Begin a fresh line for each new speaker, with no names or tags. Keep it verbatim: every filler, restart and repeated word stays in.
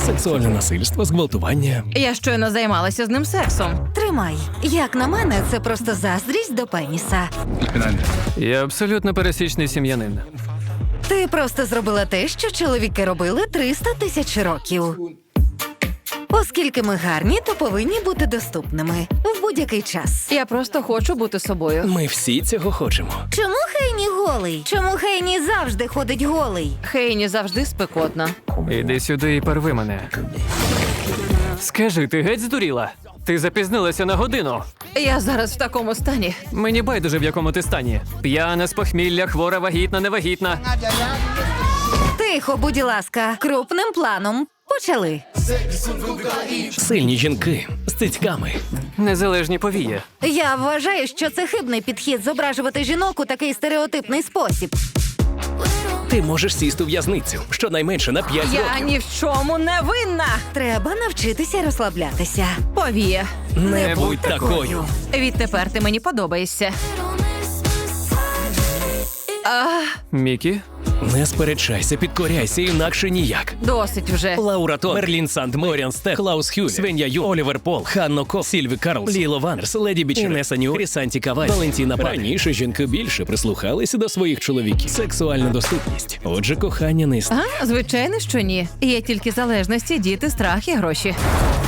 Сексуальне насильство, зґвалтування.
Я щойно займалася з ним сексом.
Тримай. Як на мене, це просто заздрість до пеніса.
Я абсолютно пересічний сім'янин.
Ти просто зробила те, що чоловіки робили триста тисяч років. Оскільки ми гарні, то повинні бути доступними в будь-який час.
Я просто хочу бути собою.
Ми всі цього хочемо.
Чому Хейні голий? Чому Хейні завжди ходить голий?
Хейні завжди спекотна.
Іди сюди і порви мене. Скажи, ти геть здуріла? Ти запізнилася на годину.
Я зараз в такому стані.
Мені байдуже, в якому ти стані. П'яна, з похмілля, хвора, вагітна, невагітна.
Тихо, будь ласка, крупним планом. Почали.
Сильні жінки з цицьками.
Незалежні повії.
Я вважаю, що це хибний підхід зображувати жінок у такий стереотипний спосіб.
Ти можеш сісти в в'язницю щонайменше на п'ять
Я
років.
ні в чому не винна.
Треба навчитися розслаблятися.
Повія.
Не будь такою.
Відтепер ти мені подобаєшся.
Мікі?
Не сперечайся, підкоряйся, інакше ніяк.
Досить вже.
Лаура Тон, Мерлін Санд, Моріан Стех, Клаус Хюль, Свеня Ю, Олівер Пол, Ханно Ко, Сільві Карлс, Ліло Ванерс, Леді Біч, Інеса Ню, Рісанті Кавай, Валентіна Пак. Раніше жінки більше прислухалися до своїх чоловіків. Сексуальна доступність. Отже, кохання не існує.
А, звичайно, що ні. Є тільки залежності, діти, страх і гроші.